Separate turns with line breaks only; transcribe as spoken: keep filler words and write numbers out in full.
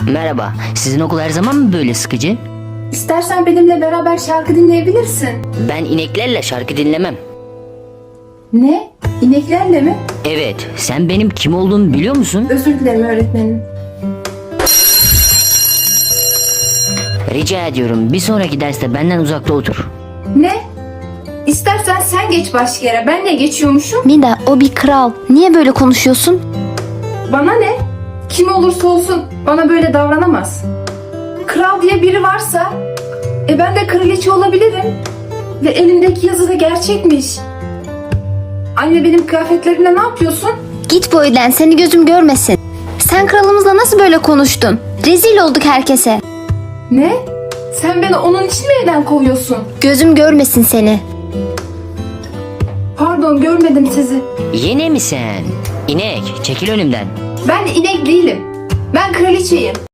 Merhaba, sizin okul her zaman mı böyle sıkıcı?
İstersen benimle beraber şarkı dinleyebilirsin.
Ben ineklerle şarkı dinlemem.
Ne? İneklerle mi?
Evet, sen benim kim olduğumu biliyor musun?
Özür dilerim öğretmenim.
Rica ediyorum, bir sonraki derste benden uzakta otur.
Ne? İstersen sen geç başka yere. Ben ne geçiyormuşum?
Mida, o bir kral. Niye böyle konuşuyorsun?
Bana ne? Kim olursa olsun bana böyle davranamaz. Kral diye biri varsa e ben de kraliçe olabilirim. Ve elimdeki yazı da gerçekmiş. Anne, benim kıyafetlerimle ne yapıyorsun?
Git bu evden, seni gözüm görmesin. Sen kralımızla nasıl böyle konuştun? Rezil olduk herkese.
Ne? Sen beni onun için mi evden kovuyorsun?
Gözüm görmesin seni.
Pardon, görmedim sizi.
Yine mi sen? İnek, çekil önümden.
Ben inek değilim. Ben kraliçeyim.